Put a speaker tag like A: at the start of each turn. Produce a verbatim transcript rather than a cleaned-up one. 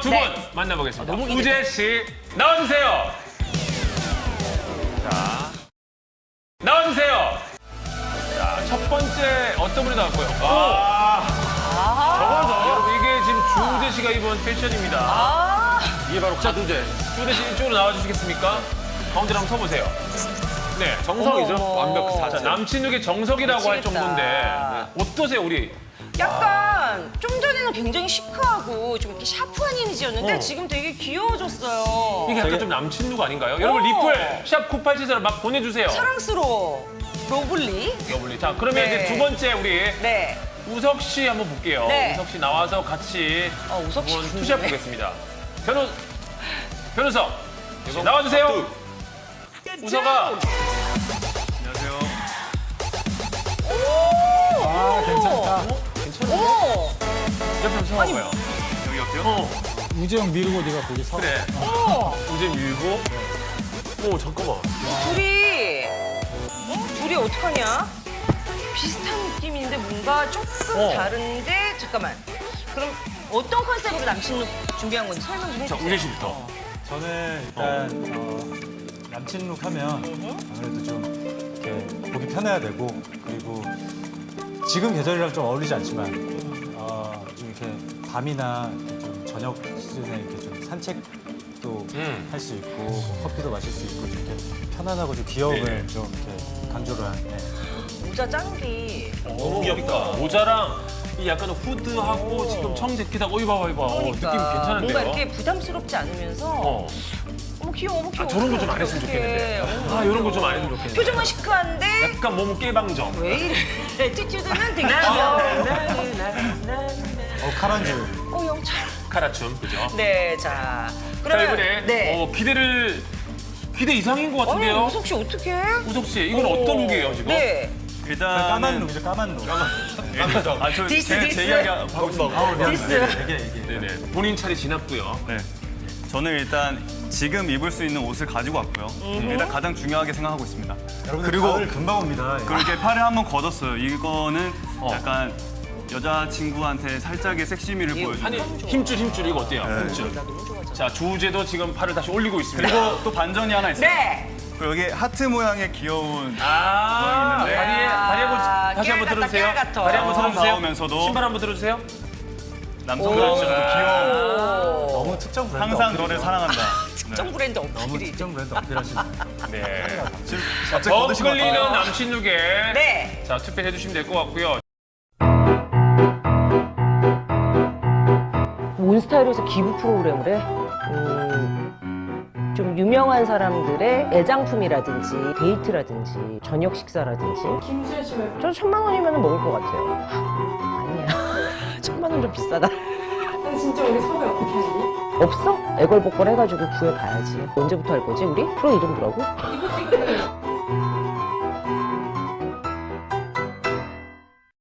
A: 두 분
B: 네.
A: 만나보겠습니다.
B: 아, 너무
A: 우재 씨 나와주세요. 자, 나와주세요. 자, 첫 번째 어떤 분이 나왔고요. 아, 저거죠. 여러분 이게 지금 주우재 씨가 입은 패션입니다.
B: 아,
A: 이게 바로 자, 주우재. 주우재 씨 이쪽으로 나와주시겠습니까? 가운데로 한번 서보세요. 네,
C: 정석이죠.
B: 어머.
C: 완벽
A: 자,
C: 사진.
A: 남친룩의 정석이라고 할
B: 미치겠다.
A: 정도인데 네. 어떠세요, 우리?
B: 약간 좀 전에는 굉장히 시크하고 좀 이렇게 샤프한 이미지였는데
A: 어.
B: 지금 되게 귀여워졌어요.
A: 이게 약간 좀 남친룩 아닌가요? 여러분 리플 샵 구팔칠사로 막 보내주세요.
B: 사랑스러워. 러블리.
A: 러블리. 자, 그러면
B: 네.
A: 이제 두 번째 우리
B: 네.
A: 우석 씨 한번 볼게요.
B: 네.
A: 우석 씨 나와서 같이
B: 어, 우석 씨
A: 한번
B: 궁금해.
A: 투샷 보겠습니다. 변호 변호석 씨, 나와주세요. 우석아. 안녕하세요.
D: 아, 괜찮다.
A: 괜찮은데?
B: 어머.
A: 옆에 한번 서봐요. 여기 옆에요? 어,
D: 우재형 미루고 네가 거기 서.
A: 그래.
B: 어머.
A: 우재 밀고. 오, 잠깐만.
B: 둘이 어? 둘이 어떡하냐? 비슷한 느낌인데 뭔가 조금
A: 어.
B: 다른데 잠깐만. 그럼 어떤 컨셉으로 남친룩 준비한 건지 설명 좀
A: 자,
B: 해주세요.
A: 우재 씨부터.
D: 저는 일단 어, 남친룩 하면 아무래도 좀 이렇게 보기 편해야 되고, 그리고 지금 계절이랑 좀 어울리지 않지만 어, 좀 이렇게 밤이나 이렇게 좀 저녁 시즌에 이렇게 좀 산책도
A: 음.
D: 할 수 있고 뭐 커피도 마실 수 있고 좀 이렇게 편안하고 좀 귀여움을
A: 네네.
D: 좀 이렇게 강조를 한. 네.
B: 모자 짱기.
A: 너무 귀엽다. 모자랑 이 약간 후드하고 지금 청재킷하고 이거 봐봐, 이거. 어, 느낌 괜찮은데요?
B: 뭔가 이렇게 부담스럽지 않으면서
A: 어.
B: 어머 귀여워, 어머 귀여워.
A: 아, 저런 거 좀 안 했으면
B: 어떡해.
A: 좋겠는데.
B: 어머,
A: 아, 이런 거 좀 안 했으면 좋겠는데.
B: 표정은 시크한데
A: 약간 몸은 깨방정.
B: 왜 이래? 에티튜드는 되게 귀여워.
D: 어, 카란줄.
B: 어, 영철.
A: 카라춤, 그죠?
B: 네, 자.
A: 자,
B: 그러면
A: 이번에
B: 네.
A: 어, 기대를, 기대 이상인 것
B: 아니,
A: 같은데요?
B: 우석 씨 어떡해?
A: 우석 씨, 이건 어떤 룩이에요, 지금?
B: 네.
D: 까만 룩이죠, 까만 룩.
A: 아, 저,
B: 디스,
A: 제,
B: 디스.
A: 제 이야기 하고 있습니다.
B: 디스.
D: 이게 이게.
A: 네네. 본인 차례 지났고요.
C: 네. 저는 일단 지금 입을 수 있는 옷을 가지고 왔고요. 일단 가장 중요하게 생각하고 있습니다.
D: 여러분들
C: 그리고
D: 가을 금방 옵니다. 예.
C: 그렇게 팔을 한번 걷었어요. 이거는
A: 어.
C: 약간 여자친구한테 살짝의 섹시미를 보여주는.
A: 아니, 힘줄, 힘줄, 이거 어때요? 힘줄. 자, 주우재도 지금 팔을 다시 올리고 있습니다.
C: 그리고 또 반전이 하나 있어요.
B: 네.
C: 그리고 여기 하트 모양의 귀여운
A: 아,
C: 있는데.
A: 다리에, 다리 한번,
B: 아,
A: 다시 한번
B: 깨알 같다,
A: 들어주세요.
B: 깨알 같아.
A: 다리 한번
C: 처음
A: 들어주세요.
C: 나오면서도
A: 신발 한번 들어주세요.
C: 남성들한테도 귀여운.
B: 오.
D: 너무 특정 브랜드.
C: 항상
D: 어필이죠.
C: 너를 사랑한다.
B: 특정 브랜드
D: 너무
B: 어필이.
D: 특정 브랜드 어필하시는.
A: 네.
C: 지금 갑자기
A: 더
C: 거드신 것
A: 끌리는
C: 같아요.
A: 남친룩에
B: 네.
A: 자, 투표해 주시면 될 것 같고요.
E: 몬스타일에서 기부 프로그램을 해? 음, 좀 유명한 사람들의 애장품이라든지 데이트라든지 저녁 식사라든지
F: 김수현 씨 말고
E: 저 천만 원이면 먹을 것 같아요. 아니야. 천만 원 좀 비싸다.
F: 난 진짜 우리 섭외 어떻게 하니?
E: 없어? 애걸복걸 해가지고 구해봐야지. 언제부터 할 거지 우리? 프로 이름 뭐라고?
F: 이것도 있고